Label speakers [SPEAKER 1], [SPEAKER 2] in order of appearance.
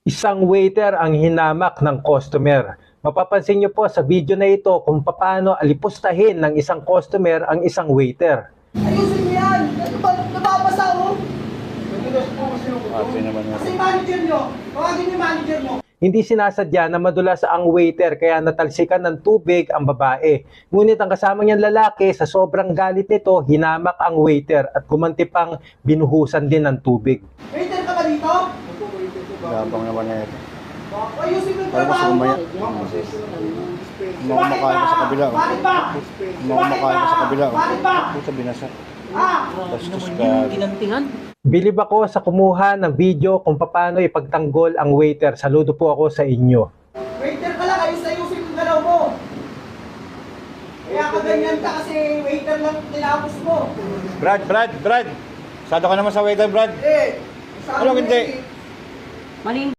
[SPEAKER 1] Isang waiter ang hinamak ng customer. Mapapansin niyo po sa video na ito kung paano alipustahin ng isang customer ang isang waiter.
[SPEAKER 2] Ayusin niyo yan! Nababasa oh! Kasi manager niyo, tawagin niyo manager mo.
[SPEAKER 1] Hindi sinasadya na madulas ang waiter kaya natalsikan ng tubig ang babae. Ngunit ang kasama niyang lalaki sa sobrang galit nito, hinamak ang waiter at gumanti pang binuhusan din ng tubig.
[SPEAKER 2] Waiter ka ba dito?
[SPEAKER 3] Gabang naman na ito.
[SPEAKER 2] Ayusin mo yung
[SPEAKER 3] Parang
[SPEAKER 2] trabaho mo.
[SPEAKER 3] Kumakain ka sa kabila.
[SPEAKER 2] Bakit ba?
[SPEAKER 3] Kumakain ka sa kabila.
[SPEAKER 2] Bakit ba?
[SPEAKER 3] Puta binasa.
[SPEAKER 2] Ah!
[SPEAKER 3] Bastos ka.
[SPEAKER 1] Bilib ako sa kumuha ng video kung paano ipagtanggol ang waiter. Saludo po ako sa inyo.
[SPEAKER 2] Waiter ka lang, ayusin yung galaw mo. Kaya ka ganyan ka kasi waiter lang tinapos mo.
[SPEAKER 3] Brad. Sado ka naman sa waiter, Brad.
[SPEAKER 2] Eh,
[SPEAKER 3] Anong hindi?
[SPEAKER 2] Maling